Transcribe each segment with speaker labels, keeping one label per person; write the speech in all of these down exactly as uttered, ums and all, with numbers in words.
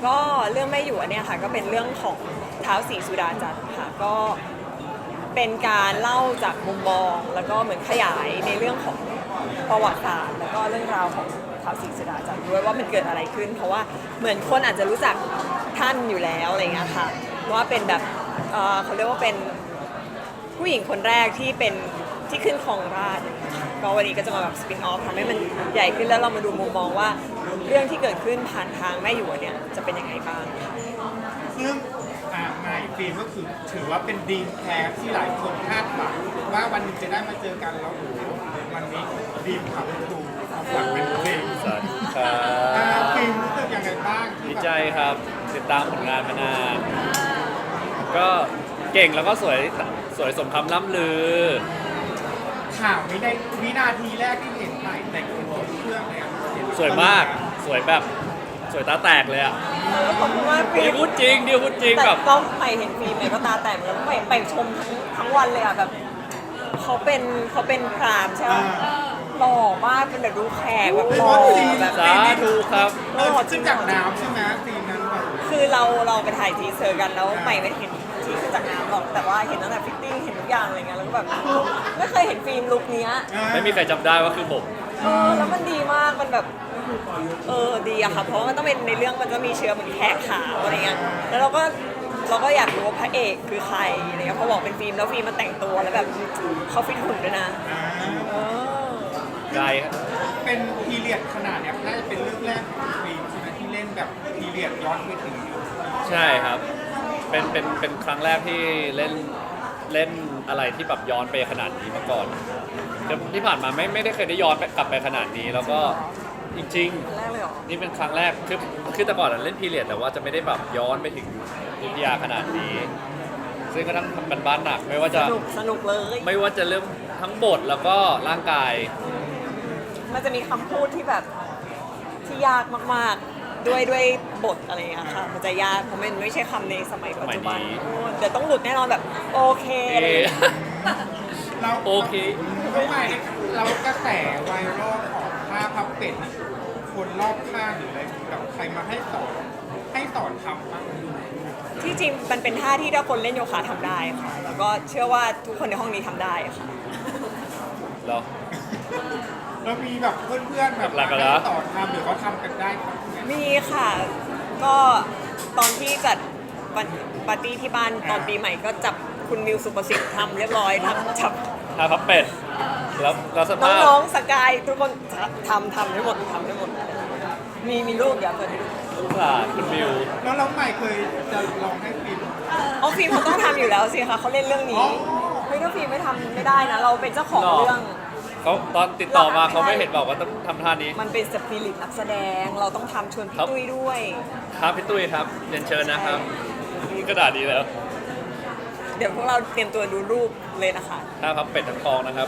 Speaker 1: ก็เรื่องแม่หยวนเนี่ยค่ะก็เป็นเรื่องของท้าวศรีสุดาจันทร์ค่ะก็เป็นการเล่าจากมุมมองแล้วก็เหมือนขยายในเรื่องของประวัติศาสตร์แล้วก็เรื่องราวของท้าวศรีสุดาจันทร์ด้วยว่ามันเกิดอะไรขึ้น เพราะว่าเหมือนคนอาจจะรู้จักท่านอยู่แล้วอะไรเงี้ยค่ะว่าเป็นแบบเอ่อเขาเรียกว่าเป็นผู้หญิงคนแรกที่เป็นที่ขึ้นครองราชย์ก็วันนี้ก็จะมาแบบสปินออฟทำให้มันใหญ่ขึ้นแล้วเรามาดูมุมมองว่าเรื่องที่เกิดขึ้นผ่านทางแม่หยวนเนี่ยจะเป็นยังไงบ้าง
Speaker 2: ซึ่งอ่าไมค์ฟิล์มก็คือถือว่าเป็นดีมแคสที่หลายคนคาดหวังว่าวันหนึงจะได้มาเจอกันแล้วโอ้โหวันนี้ดีมขับตูหวังเป็นเพลง
Speaker 3: สวัสดีครั
Speaker 2: อ่า
Speaker 3: บ
Speaker 2: ฟิล์มรู้สึกยังไงบ้างที่
Speaker 3: ดี
Speaker 2: แบบ
Speaker 3: ใจครับติดตามผลงานมานาน ก็เก่งแล้วก็สวยสวยสมคำล่ำลือ
Speaker 2: ข่าวไม่ได้วินาทีแรกที่เห็นใหม่แต่งตัวเครื่องเลยอะ
Speaker 3: สวยมากสวยแบบสวยตาแตกเลยอ่ะ
Speaker 1: ขอบคุณมากฟิ
Speaker 3: ดิ
Speaker 1: ล์ม
Speaker 3: พูดจริงดิพูดจริง
Speaker 1: แต่
Speaker 3: แบบ
Speaker 1: ก็ไปเห็นฟิล์มเนี่ยก็ตาแตกเหมือนกันไปไปชมทั้งทั้งวันเลยอ่ะแบบเขาเป็นเขาเป็นพรามใช่ไหมหล่อมากเป็นแบบดูแขกแบบหล่อแบบ
Speaker 3: สาธุครับ
Speaker 2: เออขึ้นจากน้ำใช่ไหมซีนนั้นแบบ
Speaker 1: คือเราเราไปถ่ายทีเซอร์กันแล้วใหม่ไม่เห็นที่ขึ้นจากน้ำหรอกแต่ว่าเห็นตั้งแต่ฟิตติ้งเห็นทุกอย่างอะไรเงี้ยแล้วก็แบบไม่เคยเห็นฟิล์มลุคเนี้ย
Speaker 3: ไม่มีใครจำได้ว่าคือผม
Speaker 1: เออแล้วมันดีมากมันแบบเออดีอะค่ะเพราะว่ามันต้องเป็นในเรื่องมันจะมีเชื้อเหมือนแขกขาวอะไรเงี้ยแล้วเราก็เราก็อยากรู้ว่าพระเอกคือใครอะไรเงี้ยพอบอกเป็นฟิล์มแล้วฟิล์มมาแต่งตัวแล้วแบบเขาฟิตหุ่นด้วยนะเออ
Speaker 3: ไกล
Speaker 2: เป็นพีเรียดขนาดเนี้ยน่าจะเป็นเรื่องแรกของฟิล์มใช่ไหมที่เล่นแบบพีเรียดย้อนไปถึงยุค
Speaker 3: ใช่ครับ เป็นเป็นเป็นครั้งแรกที่เล่นเล่นอะไรที่แบบย้อนไปขนาดนี้มาก่อนคือที่ผ่านมาไม่ไม่ได้เคยได้ย้อนไปกลับไปขนาดนี้ แล้วก็จริง
Speaker 1: แรกเลยเหรอ
Speaker 3: ๆ นี่เป็นครั้งแรกคือคือแต่ก่อนอะเล่นพีเรียดแต่ว่าจะไม่ได้แบบย้อนไปถึงยุธยาขนาดนี้ ซึ่งก็ต้องทำกันบ้านหนัก ไม่ว่า
Speaker 1: ส
Speaker 3: จะ
Speaker 1: นุกสนุกเลย
Speaker 3: ไม่ว่าจะเรื่องทั้งบทแล้วก็ร่างกาย
Speaker 1: มันจะมีคำพูดที่แบบที่ยากมากๆด้วยด้วยบทอะไรอย่างเงี้ยค่ะมันจะยากเพราะมันไม่ใช่คำในสมัยปัจจุบัน
Speaker 3: สมัยนี้
Speaker 1: โอ้เดี๋ยวต้องหลุดแน่นอนแบบโอเคอะไรอย่างเงี้ย
Speaker 2: เรา
Speaker 3: โอเค
Speaker 2: ทำไมเรากระแสไวรัลของผ้าพับเป็ดนี่คนรอบข้างหรืออะไรแบบใครมาให้สอนให้สอนทำบ้าง
Speaker 1: ที่จริงมันเป็นท่าที่ถ้าคนเล่นโยคะทำได้ค่ะ แล้วก็เชื่อว่าทุกคนในห้องนี้ทำได้ค่ะ
Speaker 3: แล้ว
Speaker 2: แล้วมีแบบเพื่อนๆแบบ
Speaker 3: หลักๆ
Speaker 2: มา
Speaker 3: เหรอ
Speaker 2: ให้สอนทำหรือเขาทำกันได้ครับเนี่ย
Speaker 1: มีค่ะ ก็ตอนที่จัดวันปาร์ตี้ที่บ้านตอนปีใหม่ก็จับคุณมิวสุประสิทธิ์ทำเรียบร้อยทำจับ
Speaker 3: ทาพับเป็ดแล้วแล้วสภาพ
Speaker 1: น้องๆสกายทุกคนทำทำได้หมดทำได้หมด มีมีรูปเดี๋ยวเปิดให้ดู
Speaker 3: ลูกหลานคุณบิว
Speaker 2: แล้วเราใหม่เคยจะลองให้ฟิล์ม
Speaker 1: อ๋อฟิล์มเขาต้องทำอยู่แล้วสิคะเขาเล่นเรื่อง
Speaker 2: อ๋
Speaker 1: นี้
Speaker 2: อ
Speaker 1: เฮ้ยถ้าฟิล์มไม่ทำไม่ได้นะ เราเป็นเจ้าของ
Speaker 3: หรอ
Speaker 1: เรื่อง
Speaker 3: เขาตอนติดต่อมาเขาไม่เห็นบอกว่าต้องทำท่านี้
Speaker 1: มันเป็นสปิริตนักแสดงเราต้องทำชวนพี่
Speaker 3: ครับ
Speaker 1: ตุ้ยด้วย
Speaker 3: ครับพี่ตุ้ยครับเรียนเชิญนะครับกระดาษดีแล้ว
Speaker 1: เดี๋ยวพวกเราเตรียมตัวดูรูปเลยนะคะ
Speaker 3: ท่าพับเป็ดทั้งกองนะครับ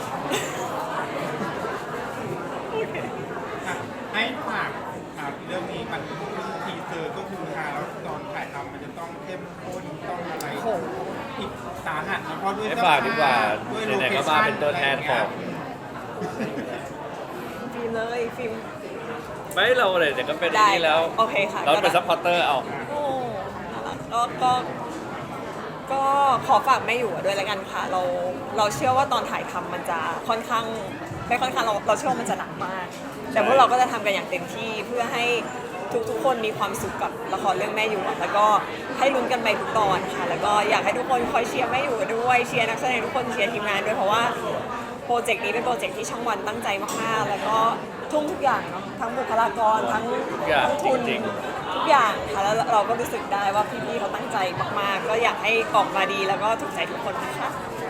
Speaker 2: อ่ะให้ฝากอ่ะเรื่องนี้มันทีเซอร์ก็คือฮาแล้วตอนถ่ายทำมันจะต้องเข้มข้นต้องอะไร
Speaker 1: โอ้โห
Speaker 2: อีกสาหัสนะเพราะด้วย
Speaker 3: ให้ฝากดีกว่า
Speaker 2: ด้วย
Speaker 3: ไหนๆก็มาเป็นตัวแทนของ
Speaker 1: ฟิล์มเลยฟิล์ม
Speaker 3: ไม่เราเลยเดี๋ยวก็เป็น
Speaker 1: ได้
Speaker 3: นี่แล้ว
Speaker 1: โอเคค่ะ
Speaker 3: เราเป็น
Speaker 1: ก็ได้
Speaker 3: ซัพพอร์เตอร์เอา
Speaker 1: โอ้น่ารักก็ก็ก็ขอฝากแม่อยู่ด้วยแล้วกันค่ะ เราเราเชื่อว่าตอนถ่ายทำมันจะค่อนข้างไม่ค่อนข้างเราเราเชื่อว่ามันจะหนักมาก แต่พวกเราก็จะทำกันอย่างเต็มที่เพื่อให้ทุกๆคนมีความสุขกับละครเรื่องแม่อยู่อะแล้วก็ให้ลุ้นกันไปทุกตอนค่ะ แล้วก็อยากให้ทุกคนคอยเชียร์แม่อยู่ด้วยเชียร์นักแสดงทุกคนเชียร์ทีมงานด้วยเพราะว่าโปรเจกต์นี้เป็นโปรเจกต์ที่ช่องวันตั้งใจมากๆแล้วก็ทุ่มทุกอย่างเนาะทั้งบุคลากรทั้ง
Speaker 3: ทุกอย่าง
Speaker 1: ทั้งทุน
Speaker 3: จริง
Speaker 1: ทุกอย่างค่ะแล้วเราก็รู้สึกได้ว่าพี่ๆเขาตั้งใจมากๆ ก็อยากให้ออกมาดีแล้วก็ถูกใจทุกคนนะคะ